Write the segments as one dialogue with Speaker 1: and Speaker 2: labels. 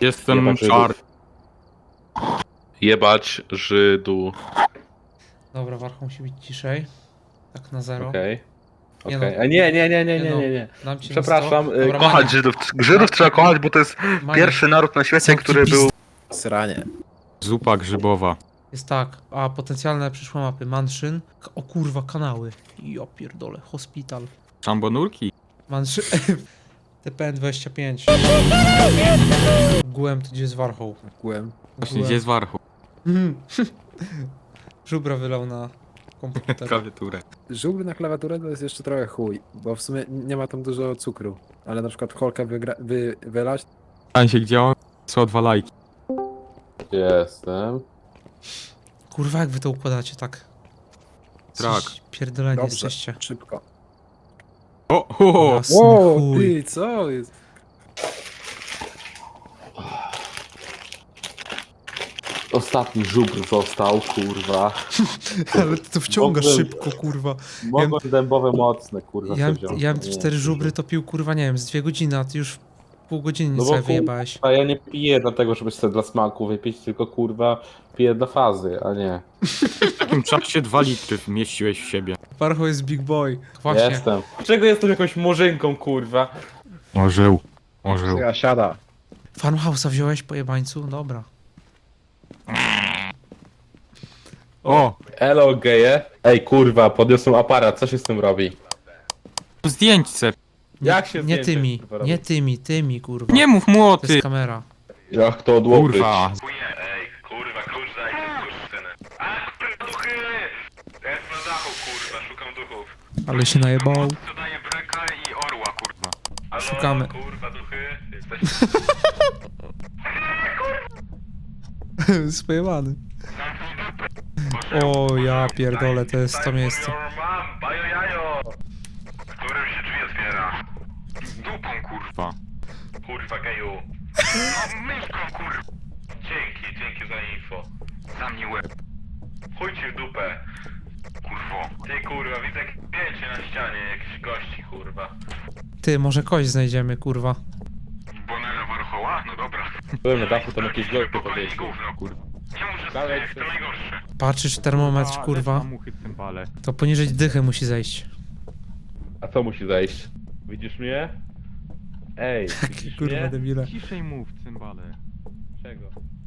Speaker 1: Jestem
Speaker 2: Jebać
Speaker 1: czar.
Speaker 2: Jebać Żydu.
Speaker 3: Dobra, Warchoł musi być ciszej. Tak na zero.
Speaker 2: Okej.
Speaker 3: Nie
Speaker 2: Okej.
Speaker 3: no.
Speaker 2: Nie.
Speaker 3: Dam ci
Speaker 2: Przepraszam,
Speaker 3: na 100. Dobra,
Speaker 2: kochać
Speaker 3: Maniek.
Speaker 2: Żydów. Żydów trzeba kochać, bo to jest
Speaker 3: Maniek.
Speaker 2: pierwszy naród na świecie,
Speaker 3: Zamknij
Speaker 2: który był...
Speaker 4: Sranie.
Speaker 1: Zupa grzybowa.
Speaker 3: Jest tak, a potencjalne przyszłe mapy Manszyn. O kurwa, kanały. Ja pierdolę, hospital.
Speaker 1: Szambonurki.
Speaker 3: Manszyn... TPN 25. Głęb, gdzie jest Warchoł?
Speaker 4: Kłem.
Speaker 1: Właśnie, gdzie jest warchu?
Speaker 3: Żubra wylał na komputer.
Speaker 1: Klawiaturę.
Speaker 4: Żubr na klawiaturę to jest jeszcze trochę chuj, bo w sumie nie ma tam dużo cukru. Ale na przykład holkę wylać,
Speaker 1: Tam się gdzie on? Co 2 lajki.
Speaker 2: Jestem.
Speaker 3: Kurwa, jak wy to układacie tak?
Speaker 1: Tak.
Speaker 3: Coś Pierdolenie
Speaker 4: Dobrze.
Speaker 3: jesteście.
Speaker 4: szybko.
Speaker 1: O!
Speaker 3: Jasny
Speaker 4: Wow,
Speaker 3: chuj.
Speaker 4: ty, co jest?
Speaker 2: Ostatni żubr został, kurwa.
Speaker 3: Ale ty to wciągasz
Speaker 2: Mogłem-
Speaker 3: szybko, kurwa.
Speaker 2: Mogłem dębowe mocne, kurwa,
Speaker 3: Ja,
Speaker 2: sobie wziąć.
Speaker 3: ja
Speaker 2: Nie,
Speaker 3: 4 żubry to pił, kurwa, nie wiem, z 2 godziny, a ty już pół godziny
Speaker 2: No
Speaker 3: nic
Speaker 2: bo
Speaker 3: sobie
Speaker 2: kurwa,
Speaker 3: wyjebałeś.
Speaker 2: A ja nie piję dlatego, żeby sobie dla smaku wypić, tylko kurwa piję dla fazy, a nie.
Speaker 1: W takim czasie 2 litry mieściłeś w siebie.
Speaker 3: Warchoł jest big boy. Właśnie.
Speaker 2: Jestem. Dlaczego jestem jakąś murzynką, kurwa?
Speaker 1: Orzeł. Orzeł.
Speaker 4: Ja siada.
Speaker 3: Farmhouse'a wziąłeś po jebańcu? Dobra.
Speaker 1: O!
Speaker 2: Elo, geje. Ej, kurwa, podniosłem aparat, co się z tym robi?
Speaker 1: Zdjęćce.
Speaker 2: Jak się
Speaker 3: Nie
Speaker 2: zdjęcie,
Speaker 3: tymi,
Speaker 2: kurwa, robi?
Speaker 3: nie tymi, kurwa.
Speaker 1: Nie mów mu o
Speaker 3: To jest
Speaker 1: ty.
Speaker 3: kamera.
Speaker 2: Jak to odłożyć?
Speaker 1: Kurwa.
Speaker 5: Ej, kurwa, klucz dajcie, skurczynę. A, kurwa, duchy! Ja jestem na dachu, kurwa, szukam duchów.
Speaker 3: Ale się najebał.
Speaker 5: Co daje breka i orła, kurwa. Halo,
Speaker 3: Szukamy.
Speaker 5: kurwa, duchy, jesteś...
Speaker 3: Spojebany. O, ja pierdolę, to jest to miejsce.
Speaker 5: Mam, bajo jajo! W którym się drzwi otwiera? Dupą, kurwa. Kurwa, geju. No, myszką, kurwa. Dzięki za info. Zamknij łeb. Chuj ci w dupę. Kurwo. Ty, kurwa, widzę jak pięcie na ścianie, jakiś gości, kurwa.
Speaker 3: Ty, może kość znajdziemy, kurwa.
Speaker 5: Bonera Warchoła? No dobra.
Speaker 2: Byłem na dachu, tam jakieś goście
Speaker 5: Pokoik
Speaker 2: powiedzieli.
Speaker 5: gówno, kurwa. Nie muszę
Speaker 2: Dalej,
Speaker 5: sobie, jestem najgorszy.
Speaker 3: Patrzysz termometr, kurwa.
Speaker 1: Muchy w tym bale.
Speaker 3: To poniżej dychy musi zejść.
Speaker 2: A co musi zejść? Widzisz mnie? Ej, widzisz
Speaker 3: Kurwa,
Speaker 2: mnie?
Speaker 3: debile.
Speaker 1: Ciszej mów, cymbale.
Speaker 2: Czego?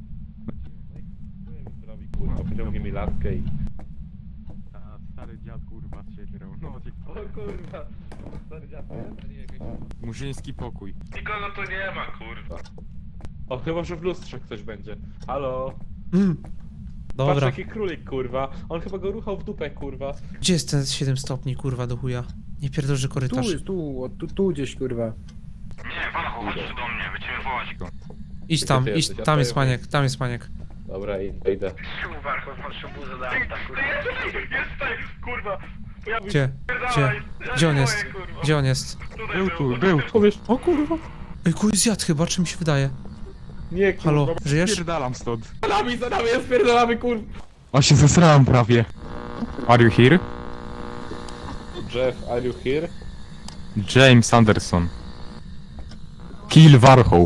Speaker 2: Zrobi, kurwa, pociągnie mi laskę i...
Speaker 1: A stary dziad kurwa siedział. No,
Speaker 2: O kurwa, stary dziadek.
Speaker 1: Murzyński pokój.
Speaker 5: Nikogo tu nie ma, kurwa.
Speaker 2: O, chyba, że w lustrze ktoś będzie. Halo? Patrz
Speaker 3: Dobra.
Speaker 2: jaki królik, kurwa. On chyba go ruchał w dupę, kurwa.
Speaker 3: Gdzie jest ten 7 stopni, kurwa, do chuja? Nie pierdol, że
Speaker 4: Tu
Speaker 3: korytarz.
Speaker 4: jest, tu gdzieś, kurwa.
Speaker 5: Nie, Warchoł, chodź tu do mnie, będziemy wołać go.
Speaker 3: Idź tam,
Speaker 2: Ty
Speaker 3: idź,
Speaker 2: jesteś,
Speaker 3: tam
Speaker 2: ja
Speaker 3: jest
Speaker 2: stoję.
Speaker 3: maniek, tam jest maniek.
Speaker 2: Dobra, idę.
Speaker 5: Siu, Warchoł, potrzebuję zadania, kurwa. Jest tutaj, kurwa.
Speaker 3: Gdzie? Gdzie on jest? Gdzie on jest?
Speaker 1: Był.
Speaker 2: Powiesz,
Speaker 3: O kurwa. Ej, kuj zjadł chyba, czy mi się wydaje?
Speaker 2: nie, kurwa.
Speaker 3: Halo, żyjesz?
Speaker 1: Spierdalam stąd.
Speaker 2: Za nami, ja spierdolamy, kurwa.
Speaker 1: A się zesrałem prawie. Are you here?
Speaker 2: Jeff, are you here?
Speaker 1: James Anderson. Kill Warchoł.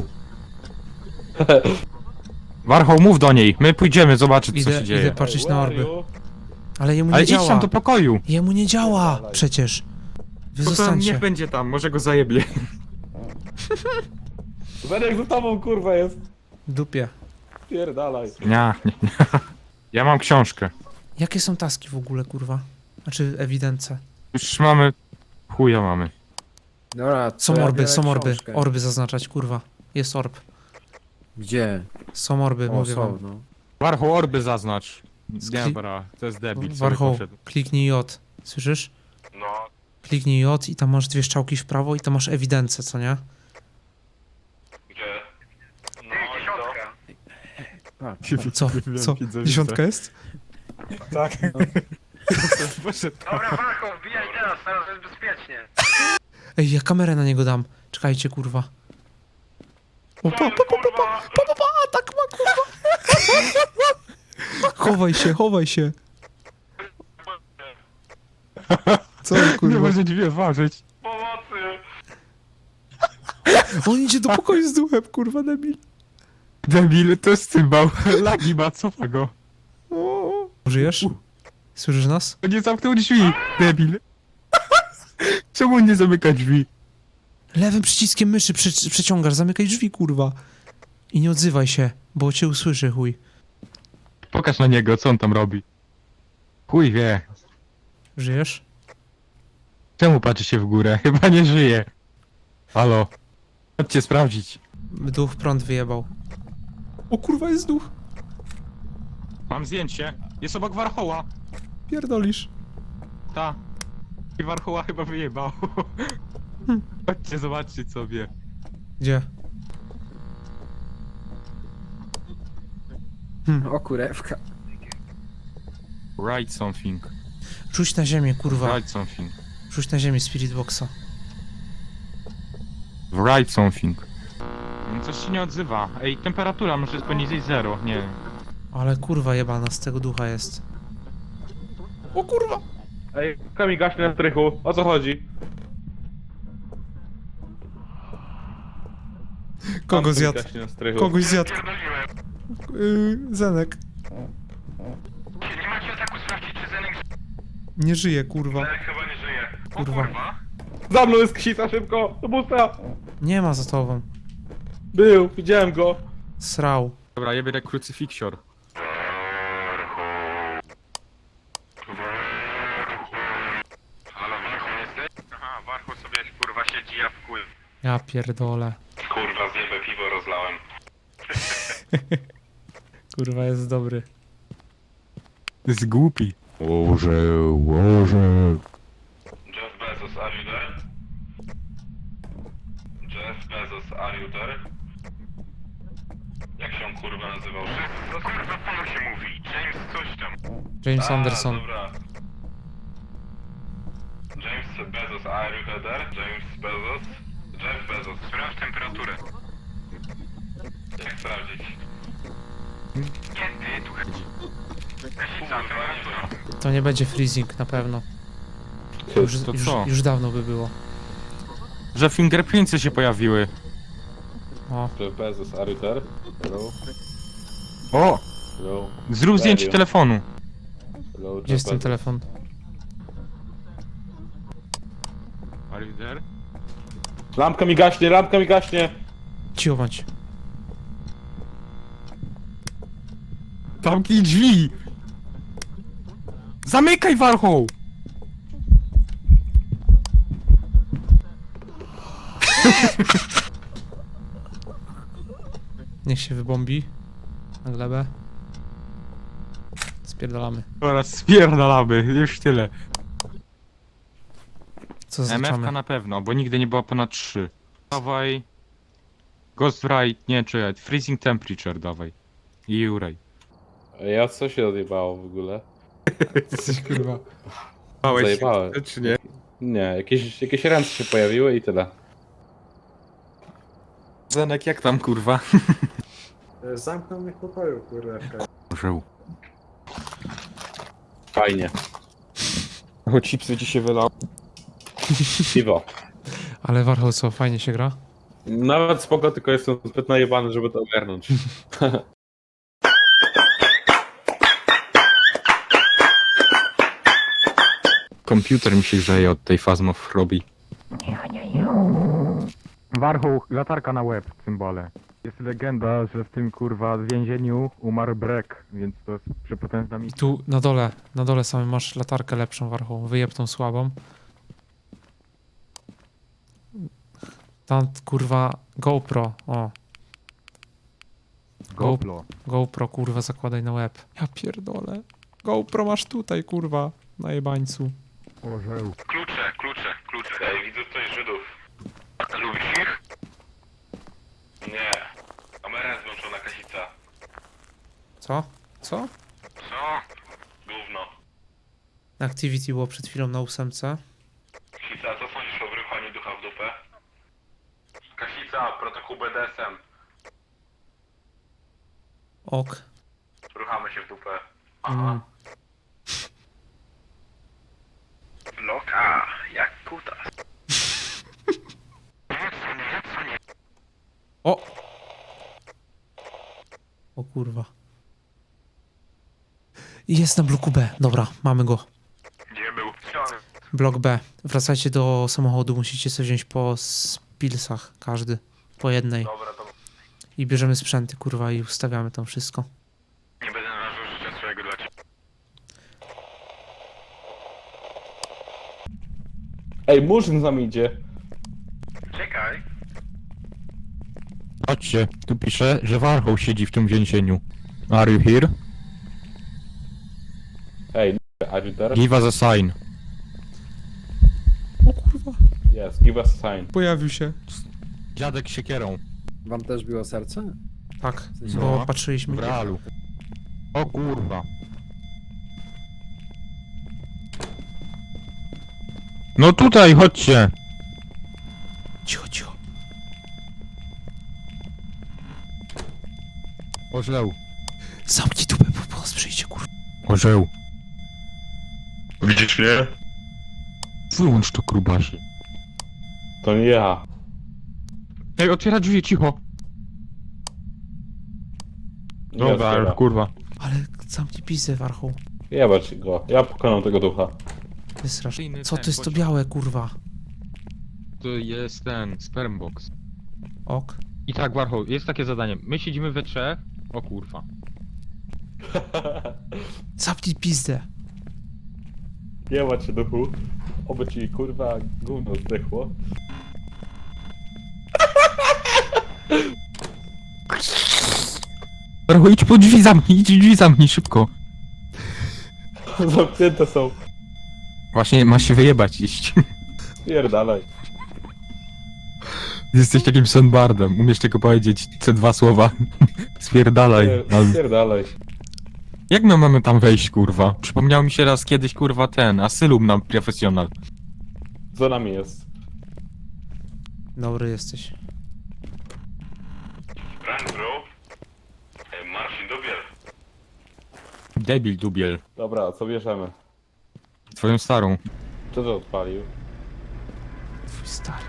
Speaker 1: Warchoł, mów do niej. My pójdziemy zobaczyć co
Speaker 3: Idę,
Speaker 1: się dzieje.
Speaker 3: idę patrzeć
Speaker 2: Where
Speaker 3: na
Speaker 2: are
Speaker 3: orby.
Speaker 2: you?
Speaker 3: Ale jemu
Speaker 1: Ale
Speaker 3: nie
Speaker 1: idź
Speaker 3: działa.
Speaker 1: tam do pokoju.
Speaker 3: Jemu nie działa przecież. Wy
Speaker 1: To
Speaker 3: zostańcie.
Speaker 1: niech będzie tam, może go zajebie.
Speaker 2: Zenek za tobą, kurwa, jest.
Speaker 3: Dupie.
Speaker 2: Pierdalaj.
Speaker 1: Nie. Ja mam książkę.
Speaker 3: Jakie są taski w ogóle, kurwa? Znaczy ewidence.
Speaker 1: Już mamy... Chuja mamy.
Speaker 4: Dobra, to
Speaker 3: Są
Speaker 4: ja
Speaker 3: orby,
Speaker 4: biorę
Speaker 3: są orby.
Speaker 4: książkę.
Speaker 3: Orby zaznaczać, kurwa. Jest orb.
Speaker 4: Gdzie?
Speaker 3: Są orby,
Speaker 4: O,
Speaker 3: mówię
Speaker 4: są,
Speaker 3: wam.
Speaker 4: no.
Speaker 1: Warchoł, orby zaznacz.
Speaker 3: Skli-
Speaker 1: Dobra, to jest debil. sobie
Speaker 3: Warchoł,
Speaker 1: poszedł.
Speaker 3: kliknij J. Słyszysz?
Speaker 5: No,
Speaker 3: Kliknij J i tam masz 2 strzałki w prawo i tam masz ewidencję, co nie?
Speaker 5: gdzie? No, dziesiątka.
Speaker 3: Co? Co? Dziesiątka jest?
Speaker 1: Tak. Poszedł.
Speaker 5: Dobra, Warchoł, wbijaj teraz jest bezpiecznie.
Speaker 3: Ej, ja kamerę na niego dam. Czekajcie, kurwa. O, atak ma, kurwa. Chowaj się. Co,
Speaker 1: Nie
Speaker 3: kurwa?
Speaker 1: może drzwi otworzyć.
Speaker 5: Pomocy!
Speaker 3: On idzie do pokoju z duchem, kurwa, debil.
Speaker 1: Debil, to jest cymbał. Lagi ma, cofa go.
Speaker 3: Żyjesz? Słyszysz nas?
Speaker 1: On nie zamknął drzwi, debil. Czemu nie zamyka drzwi?
Speaker 3: Lewym przyciskiem myszy przeciągasz, zamykaj drzwi, kurwa. I nie odzywaj się, bo cię usłyszy, chuj.
Speaker 1: Pokaż na niego, co on tam robi. Chuj wie.
Speaker 3: Żyjesz?
Speaker 1: Czemu patrzy się w górę? Chyba nie żyje. Halo. Chodźcie sprawdzić.
Speaker 3: Duch prąd wyjebał. O kurwa, jest duch.
Speaker 1: Mam zdjęcie. Jest obok Warhoła.
Speaker 3: Pierdolisz.
Speaker 1: Ta. I Warhoła chyba wyjebał. Chodźcie zobaczyć sobie.
Speaker 3: Gdzie?
Speaker 4: O kurewka.
Speaker 1: Write something.
Speaker 3: Rzuć na ziemię, kurwa.
Speaker 1: Write something.
Speaker 3: Rzuć na ziemię Spirit Boxa.
Speaker 1: Write something. Coś się nie odzywa. Ej, temperatura może jest poniżej 0. Nie.
Speaker 3: Ale kurwa jebana z tego ducha jest. O kurwa!
Speaker 2: Ej, kami gaśnie na strychu, o co chodzi?
Speaker 3: Kogo
Speaker 2: Tam
Speaker 3: zjadł?
Speaker 2: gaśnie na strychu.
Speaker 3: Kogoś zjadł.
Speaker 5: Pierdoliłem.
Speaker 3: Zenek.
Speaker 5: Nie macie ataku sprawdzić, czy Zenek
Speaker 3: Nie żyje, kurwa.
Speaker 5: chyba nie żyje. O
Speaker 3: Kurwa.
Speaker 5: kurwa.
Speaker 2: Za mną jest ksica, szybko, do busta!
Speaker 3: Nie ma za tobą.
Speaker 2: Był, widziałem go.
Speaker 3: Srał.
Speaker 1: Dobra, ja biorę krucyfiksior.
Speaker 5: Halo, Warchu jesteś? Aha, Warchu sobie kurwa siedzi, ja w
Speaker 3: Ja pierdolę.
Speaker 5: Kurwa, zjebę piwo rozlałem.
Speaker 3: Kurwa jest dobry.
Speaker 1: Jest głupi. Orzeł.
Speaker 5: Jeff Bezos, are you there? Jeff Bezos, are you there? Jak się on kurwa nazywał? No kurwa, panu się mówi. James coś tam.
Speaker 3: James
Speaker 5: A,
Speaker 3: Anderson.
Speaker 5: Dobra. James Bezos, are you there? James Bezos? Jeff Bezos, sprawdź temperaturę. Jak sprawdzić? Kiedy tu chodzi?
Speaker 3: To nie będzie freezing na pewno. Już,
Speaker 1: To
Speaker 3: już,
Speaker 1: co?
Speaker 3: już dawno by było.
Speaker 1: Że fingerprintsy się pojawiły.
Speaker 3: O.
Speaker 2: Jeff Bezos, are you there? Hello?
Speaker 1: O!
Speaker 2: Hello?
Speaker 1: Zrób zdjęcie
Speaker 2: Serio?
Speaker 1: telefonu.
Speaker 2: Hello,
Speaker 3: Gdzie jest ten telefon?
Speaker 1: Are you there?
Speaker 2: Lampka mi gaśnie, lampka mi gaśnie!
Speaker 3: Cicho bądź.
Speaker 1: Zamknij drzwi! Zamykaj, Warhoł!
Speaker 3: Niech się wybombi. Na glebę. Spierdalamy.
Speaker 1: Oraz spierdalamy, już tyle.
Speaker 3: Co
Speaker 1: MF-ka
Speaker 3: zaznaczamy?
Speaker 1: na pewno, bo nigdy nie była ponad 3. Dawaj. Ghost Write, nie, czekaj, Freezing Temperature dawaj. I Uray.
Speaker 2: Ej, a co się odjebało w ogóle?
Speaker 1: Jesteś kurwa.
Speaker 2: Zajebałem.
Speaker 1: Czy nie?
Speaker 2: Nie, jakieś ręce się pojawiły i tyle.
Speaker 1: Zenek, jak tam kurwa?
Speaker 4: Zamknął mnie w pokoju, kurewka.
Speaker 1: Żył.
Speaker 2: Fajnie.
Speaker 1: O, chipsy ci się wylały.
Speaker 2: Piwo.
Speaker 3: Ale Warhol co, fajnie się gra?
Speaker 2: Nawet spoko, tylko jestem zbyt najebany, żeby to ogarnąć.
Speaker 1: Komputer mi się grzeje od tej Phasmophrobii. Warchoł, latarka na łeb, symbole. Jest legenda, że w tym kurwa więzieniu umarł Brek, więc to jest przepotężna misja.
Speaker 3: Tu na dole samym masz latarkę lepszą, Warhol. Wyjeb tą słabą. Tam kurwa GoPro, o. GoPro kurwa zakładaj na łeb. Ja pierdolę. GoPro masz tutaj kurwa, na jebańcu.
Speaker 1: Orzeł.
Speaker 5: Klucze. Ej, widzę tutaj Żydów. Lubisz ich? Nie. Kamera jest włączona, Kasica.
Speaker 3: Co? Co?
Speaker 5: Co? Gówno.
Speaker 3: Activity było przed chwilą na 8.
Speaker 5: Kasica, co sądzisz o wyruchaniu ducha w dupę? Kasica, protokół BDSM.
Speaker 3: Ok.
Speaker 5: Ruchamy się w dupę.
Speaker 3: Mm.
Speaker 5: Loka, jak kutas.
Speaker 3: O! O kurwa. Jest na bloku B. Dobra, mamy go.
Speaker 5: Gdzie był? Sorry.
Speaker 3: Blok B. Wracajcie do samochodu, musicie sobie wziąć po spilsach, każdy. Po jednej.
Speaker 5: Dobra, to
Speaker 3: I bierzemy sprzęty, kurwa, i ustawiamy tam wszystko.
Speaker 5: nie będę narażał życia swojego dla ciebie.
Speaker 2: Ej, murzyn z nami idzie.
Speaker 5: Czekaj.
Speaker 1: Chodźcie, tu pisze, że Warhol siedzi w tym więzieniu. Are you here?
Speaker 2: Ej, are you there?
Speaker 1: Give us a sign.
Speaker 3: O kurwa.
Speaker 2: Yes, give us a sign.
Speaker 3: Pojawił się.
Speaker 1: Dziadek siekierą.
Speaker 4: Wam też biło serce?
Speaker 3: Tak,
Speaker 4: No.
Speaker 3: bo patrzyliśmy.
Speaker 1: W realu. O kurwa. No tutaj, chodźcie.
Speaker 3: Cicho, cicho.
Speaker 1: Orzeł.
Speaker 3: Zamknij dupę, bo po nas przyjdzie, kurwa.
Speaker 1: Orzeł.
Speaker 5: Widzisz mnie?
Speaker 1: Wyłącz to, grubasie.
Speaker 2: To nie ja.
Speaker 1: Ej, otwiera drzwi, cicho.
Speaker 2: Nie
Speaker 1: Dobra,
Speaker 2: otwiera.
Speaker 1: ale kurwa.
Speaker 3: Ale zamknij pizdę, Warchoł.
Speaker 2: Jebać go. Ja pokonam tego ducha.
Speaker 3: Wysrasz.
Speaker 1: Inny
Speaker 3: Co
Speaker 1: ten,
Speaker 3: to jest to
Speaker 1: pociąg.
Speaker 3: białe, kurwa?
Speaker 1: To jest ten, spermbox.
Speaker 3: Ok.
Speaker 1: I tak, Warhol, jest takie zadanie. My siedzimy we trzech. O kurwa.
Speaker 3: Zamknij pizdę.
Speaker 2: Jebać się duchu. Oby ci kurwa gówno zdechło.
Speaker 1: Warhol, idź po idź drzwi zamknij, szybko.
Speaker 2: Zamknięte są.
Speaker 1: Właśnie, masz się wyjebać iść.
Speaker 2: Pierdalaj.
Speaker 1: Jesteś takim sonbardem, umiesz tylko powiedzieć te dwa słowa. Spierdalaj. Ale
Speaker 2: Pierdalaj.
Speaker 1: jak my mamy tam wejść, kurwa? Przypomniał mi się raz kiedyś, kurwa, ten, asylum na profesjonal.
Speaker 2: Za nami jest.
Speaker 3: Dobry jesteś.
Speaker 5: Run, bro. Marcin Dubiel.
Speaker 1: Debil dubiel.
Speaker 2: Dobra, co bierzemy?
Speaker 1: Twoją starą.
Speaker 2: Kto to odpalił?
Speaker 3: Twój stary.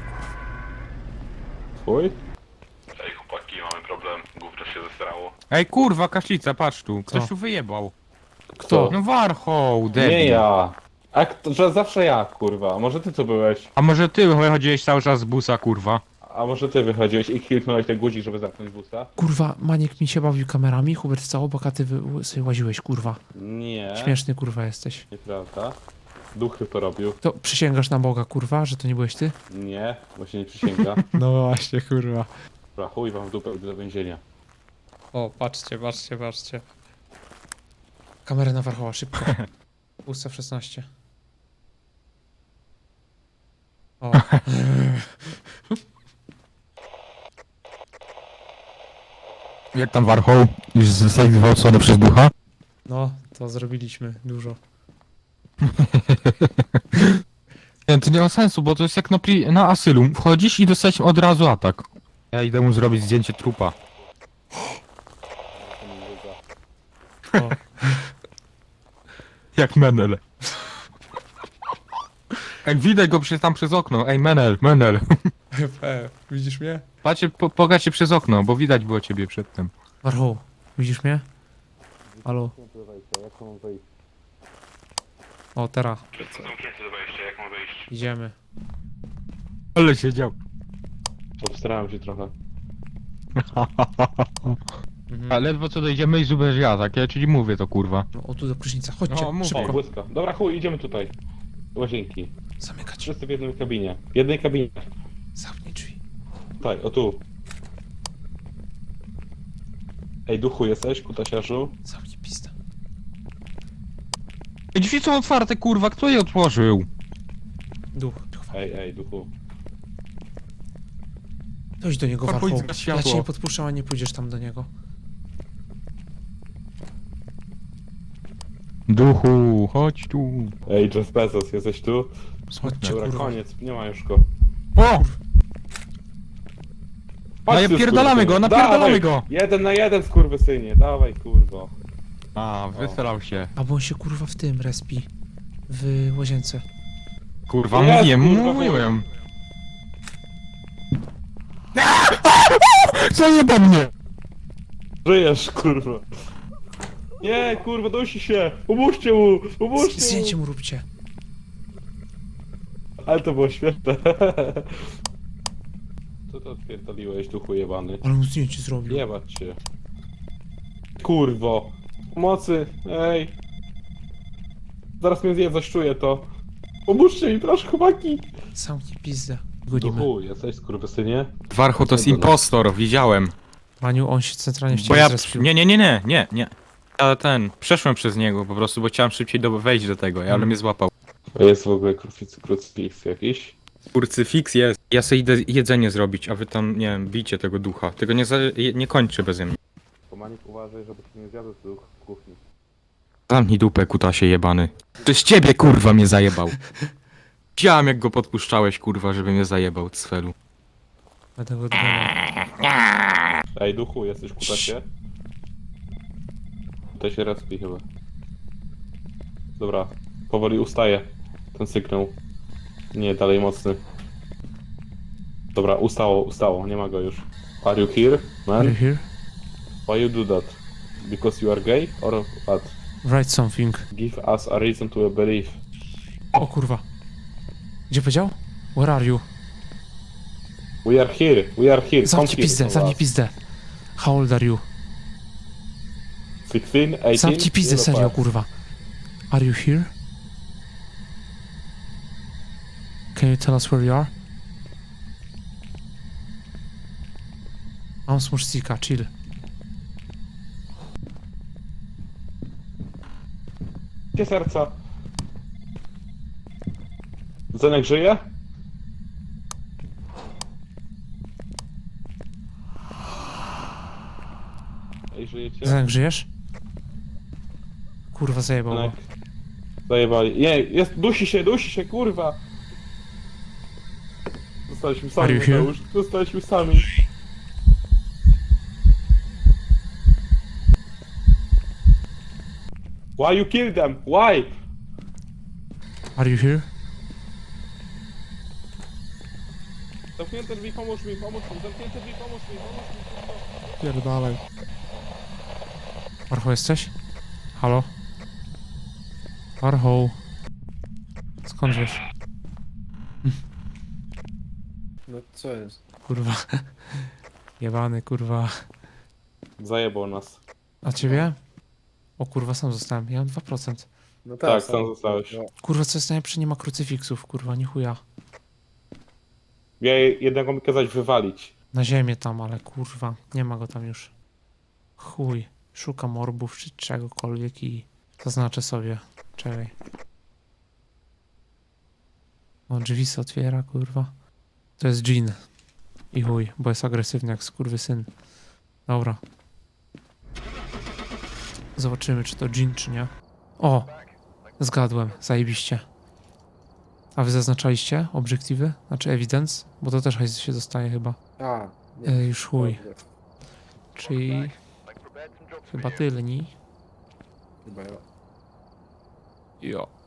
Speaker 2: Twój?
Speaker 5: Ej, chłopaki, mamy problem. Gówno się zesrało.
Speaker 1: Ej, kurwa, kaszlica, patrz tu. Ktoś
Speaker 3: Co?
Speaker 1: tu wyjebał.
Speaker 2: Kto?
Speaker 1: No Warhol, debil.
Speaker 2: Nie ja. A kto, że zawsze ja, kurwa. A może ty tu byłeś?
Speaker 1: A może ty wychodziłeś cały czas z busa, kurwa?
Speaker 2: A może ty wychodziłeś i kliknąłeś ten guzik, żeby zamknąć busta?
Speaker 3: Kurwa, Maniek mi się bawił kamerami, Hubert stał obok, a ty sobie łaziłeś, kurwa.
Speaker 2: Nie.
Speaker 3: Śmieszny, kurwa, jesteś.
Speaker 2: Nieprawda. Duch to robił.
Speaker 3: To przysięgasz na Boga, kurwa, że to nie byłeś ty?
Speaker 2: Nie, bo się nie przysięga.
Speaker 3: No właśnie, kurwa.
Speaker 2: Dobra, chuj wam w dupę do więzienia.
Speaker 3: O, patrzcie, patrzcie, patrzcie. Kamerę na Warchoła, szybko. Ustaw 16. O.
Speaker 1: Jak tam Warhol? Już został gwałcony przez ducha?
Speaker 3: No, to zrobiliśmy dużo.
Speaker 1: Nie, to nie ma sensu, bo to jest jak na asylum. Wchodzisz i dostajesz od razu atak. Ja idę mu zrobić zdjęcie trupa.
Speaker 3: O.
Speaker 1: Jak Menel. Ej, widać go tam przez okno. Ej, Menel.
Speaker 3: Widzisz mnie?
Speaker 1: Patrzcie, pokażcie przez okno, bo widać było ciebie przedtem.
Speaker 3: Warchoł, widzisz mnie? Halo?
Speaker 2: Jak mam wyjść?
Speaker 3: O, teraz.
Speaker 5: Jestem zamknięty do wejścia, jak mam wejść?
Speaker 3: Idziemy.
Speaker 1: Ale siedział.
Speaker 2: Obstarałem się trochę.
Speaker 3: Mhm.
Speaker 1: A ledwo co dojdziemy i zubierz ja, tak? Ja ci mówię to, kurwa.
Speaker 3: No, o, tu do prysznica, chodźcie,
Speaker 1: No, mów.
Speaker 2: O,
Speaker 3: szybko.
Speaker 2: błyska. Dobra, chuj, idziemy tutaj. Do łazienki.
Speaker 3: Zamykać.
Speaker 2: Wszyscy w jednej kabinie. W jednej kabinie.
Speaker 3: Zamknij drzwi.
Speaker 2: Tutaj, o tu. Ej, duchu jesteś, kutasiarzu?
Speaker 3: Zamknij pizdę.
Speaker 1: Ej, drzwi są otwarte, kurwa, kto je otworzył?
Speaker 3: Duch.
Speaker 2: Ej, duchu.
Speaker 3: Chodź do niego,
Speaker 1: Warchoł,
Speaker 3: Warchoł.
Speaker 1: zgaś
Speaker 3: Ja cię
Speaker 1: światło.
Speaker 3: nie podpuszczam, a nie pójdziesz tam do niego.
Speaker 1: Duchu, chodź tu.
Speaker 2: Ej, Jeff Bezos, jesteś tu?
Speaker 3: Chodźcie,
Speaker 2: Dobra,
Speaker 3: kurwa.
Speaker 2: koniec, nie ma już go.
Speaker 1: O!
Speaker 2: Chodź tu,
Speaker 1: Napierdalamy go,
Speaker 2: skurwysynie.
Speaker 1: napierdalamy
Speaker 2: Dawaj,
Speaker 1: go!
Speaker 2: 1 na 1, skurwysynie, dawaj, kurwo.
Speaker 1: A, wysrał się.
Speaker 3: A bo on się kurwa w tym respi. W łazience.
Speaker 1: Kurwa,
Speaker 2: Jest,
Speaker 1: mówiłem. Zajebał mnie!
Speaker 2: Żyjesz, kurwa. Nie, kurwa, dusi się! Pomóżcie mu! Pomóżcie mu!
Speaker 3: Zdjęcie mu róbcie.
Speaker 2: Ale to było śmieszne. Co to odpierdoliłeś, duchu jebany?
Speaker 3: Ale mu zdjęcie zrobił.
Speaker 2: Jebać się. Kurwo. Pomocy, ej. Zaraz mnie zje, zaszczuję to. Pomóżcie mi, proszę, chłopaki.
Speaker 3: Zamknij pizdę. Godzimy.
Speaker 2: Duchu, jesteś skurwysynie?
Speaker 1: Warchu to jest impostor, widziałem.
Speaker 3: Maniu, on się centralnie w
Speaker 1: Bo
Speaker 3: ciebie
Speaker 1: ja...
Speaker 3: zrespił.
Speaker 1: Nie. Ale przeszłem przez niego po prostu, bo chciałem szybciej wejść do tego, ale mnie złapał.
Speaker 2: Jest w ogóle krucyfiks jakiś?
Speaker 1: Kurcyfiks jest. Ja sobie idę jedzenie zrobić, a wy tam, nie wiem, bijcie tego ducha. Tego nie kończy beze mnie.
Speaker 2: Pomanik, uważaj, żeby się nie zjadł duch w kuchni.
Speaker 1: Zamknij dupę, kutasie jebany. To z ciebie, kurwa, mnie zajebał. Widziałem, jak go podpuszczałeś, kurwa, żeby mnie zajebał, cfelu.
Speaker 3: Będę go odganiał.
Speaker 2: Ej, duchu, jesteś w kutasie? To się respi chyba. Dobra, powoli ustaje ten sygnał. Nie, dalej mocny. Dobra, ustało, nie ma go już. Are you here,
Speaker 3: Are you
Speaker 2: man?
Speaker 3: here?
Speaker 2: Why you do that? Because you are gay? Or what?
Speaker 3: Write something.
Speaker 2: Give us a reason to believe.
Speaker 3: O kurwa. Gdzie powiedział? Where are you?
Speaker 2: We are here. Come
Speaker 3: Zamknij
Speaker 2: here.
Speaker 3: pizdę,
Speaker 2: to
Speaker 3: zamknij
Speaker 2: us.
Speaker 3: pizdę. How old are you?
Speaker 2: 16, 18?
Speaker 3: Zamknij pizdę,
Speaker 2: Wiele
Speaker 3: serio,
Speaker 2: par.
Speaker 3: kurwa. Are you here? Can you tell us where you are? Mam smuszcika, chill.
Speaker 2: Gdzie serca? Zenek żyje? Ej, żyjecie?
Speaker 3: Zanek, żyjesz? Kurwa, zajebał go.
Speaker 2: Zenek. Zajebali. Nie, jest, dusi się, kurwa! Zostaliśmy
Speaker 3: Are
Speaker 2: sami,
Speaker 3: you here?
Speaker 2: Mateusz. Zostaliśmy sami. Why you kill them? Why?
Speaker 3: Are you here?
Speaker 2: Zamknięte drzwi, pomóż mi, zamknięte drzwi, pomóż mi, kurwa.
Speaker 3: Pierdalej. Warho, jesteś? Halo? Warho. Skąd wiesz?
Speaker 4: No co jest?
Speaker 3: Kurwa. Jebany, kurwa.
Speaker 2: Zajebał nas.
Speaker 3: A ciebie? O kurwa, sam zostałem. Ja mam 2%.
Speaker 4: No
Speaker 2: Tak, sam zostałeś.
Speaker 4: No,
Speaker 3: Kurwa, co jest najlepsze? Nie ma krucyfiksów, kurwa, nie chuja.
Speaker 2: Ja jednego mi kazać wywalić.
Speaker 3: Na ziemię tam, ale kurwa, nie ma go tam już. Chuj. Szukam orbów czy czegokolwiek i zaznaczę sobie. Czekaj. O, drzwi się otwiera, kurwa. To jest dżin. I chuj, bo jest agresywny jak skurwysyn. Dobra. Zobaczymy, czy to dżin, czy nie. O! Zgadłem, zajebiście. A wy zaznaczaliście obiektywy? Znaczy evidence? Bo to też hajs się dostaje chyba.
Speaker 4: A, nie.
Speaker 3: Już chuj.
Speaker 4: Dobra,
Speaker 3: Czyli... Chyba tyle, nie?
Speaker 4: chyba ja.
Speaker 3: Jo.